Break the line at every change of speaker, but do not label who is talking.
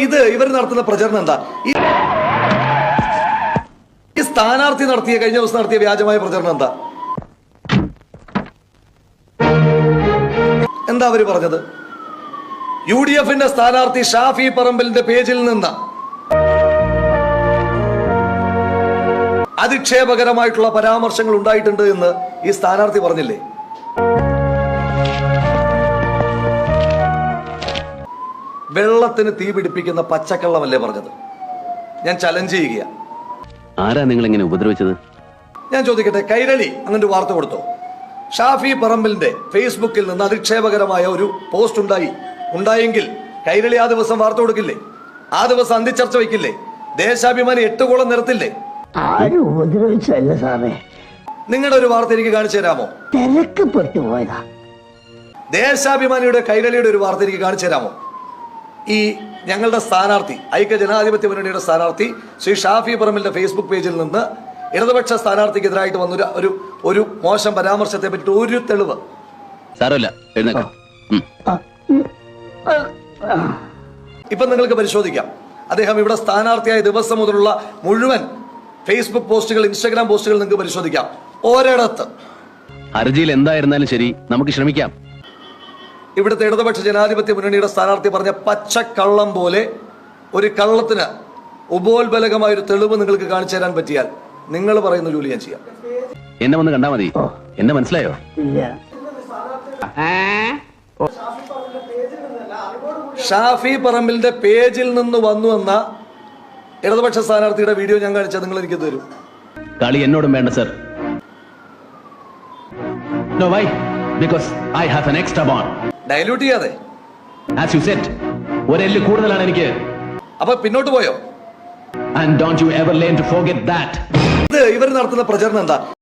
ഇത് ഇവർ നടത്തുന്ന പ്രചരണം എന്താ? ഈ സ്ഥാനാർത്ഥി നടത്തിയ കഴിഞ്ഞ ദിവസം നടത്തിയ വ്യാജമായ പ്രചരണം എന്താ അവര് പറഞ്ഞത്? UDFന്റെ സ്ഥാനാർത്ഥി ഷാഫി പറമ്പിലിന്റെ പേജിൽ നിന്ന് അധിക്ഷേപകരമായിട്ടുള്ള പരാമർശങ്ങൾ ഉണ്ടായിട്ടുണ്ട് എന്ന് ഈ സ്ഥാനാർത്ഥി പറഞ്ഞില്ലേ? വെള്ളത്തിന് തീ പിടിപ്പിക്കുന്ന പച്ചക്കള്ളമല്ലേ പറഞ്ഞത്? ഞാൻ ചലഞ്ച് ചെയ്യുക.
ആരാ നിങ്ങൾ ഇങ്ങനെ ഉപദ്രവിച്ചത്?
ഞാൻ ചോദിക്കട്ടെ, കൈരളി അങ്ങനെ ഒരു വാർത്ത കൊടുത്തോ? ഷാഫി പറമ്പിലിന്റെ ഫേസ്ബുക്കിൽ നിന്ന് അധിക്ഷേപകരമായ ഒരു പോസ്റ്റ് ഉണ്ടായെങ്കിൽ കൈരളി ആ ദിവസം വാർത്ത കൊടുക്കില്ലേ? ആ ദിവസം അന്തിച്ചർച്ച വയ്ക്കില്ലേ? ദേശാഭിമാനി 8 കോളം നിരത്തില്ലേ?
ആരും ഉപദ്രവിച്ചല്ല സാറേ.
നിങ്ങളുടെ ഒരു വാർത്ത എനിക്ക് കാണിച്ചു തരാമോ?
തിരക്കപ്പെട്ടു പോയതാ.
ദേശാഭിമാനിയുടെ കൈരളിയുടെ ഒരു വാർത്ത എനിക്ക് കാണിച്ചു തരാമോ? ഈ ഞങ്ങളുടെ സ്ഥാനാർത്ഥി, ഐക്യ ജനാധിപത്യ മുന്നണിയുടെ സ്ഥാനാർത്ഥി ശ്രീ ഷാഫി പറമ്പിലിന്റെ ഫേസ്ബുക്ക് പേജിൽ നിന്ന് ഇടതുപക്ഷ സ്ഥാനാർത്ഥിക്കെതിരായിട്ട് വന്ന ഒരു മോശം പരാമർശത്തെ പറ്റി ഒരു തെളിവ്?
സാരമില്ല,
ഇപ്പൊ നിങ്ങൾക്ക് പരിശോധിക്കാം. അദ്ദേഹം ഇവിടെ സ്ഥാനാർത്ഥിയായ ദിവസം മുതലുള്ള മുഴുവൻ ഫേസ്ബുക്ക് പോസ്റ്റുകൾ, ഇൻസ്റ്റാഗ്രാം പോസ്റ്റുകൾ നിങ്ങൾക്ക് പരിശോധിക്കാം. ഒരിടത്ത്
ഹർജിയിൽ എന്തായിരുന്നാലും ശരി, നമുക്ക് ശ്രമിക്കാം.
ഇവിടുത്തെ ഇടതുപക്ഷ ജനാധിപത്യ മുന്നണിയുടെ സ്ഥാനാർത്ഥി പറഞ്ഞ പച്ചക്കള്ളം പോലെ ഒരു കള്ളത്തിന് ഉപോത്ബലകമായ ഒരു തെളിവ് നിങ്ങൾക്ക് കാണിച്ചു തരാൻ പറ്റിയാൽ നിങ്ങൾ പറയുന്ന ജോലി ഞാൻ ചെയ്യാം.
എന്നെ വന്ന് കണ്ടാ മതി. എന്നെ മനസ്സിലായോ?
ഷാഫി പറമ്പിലിന്റെ പേജിൽ നിന്ന് വന്നു എന്ന ഇടതുപക്ഷ സ്ഥാനാർത്ഥിയുടെ വീഡിയോ ഞാൻ കാണിച്ചാൽ നിങ്ങൾ എനിക്ക് തരും.
കളി എന്നോടും വേണ്ട sir. No, why? Because I have an extra bond.
Dilute ചെയ്യാതെ.
As you said, ഒരു എല്ല് കൂടുതലാണ് എനിക്ക്.
അപ്പൊ പിന്നോട്ട് പോയോ?
And don't you ever learn to forget that.
ഇത് ഇവർ നടത്തുന്ന പ്രചരണം എന്താ?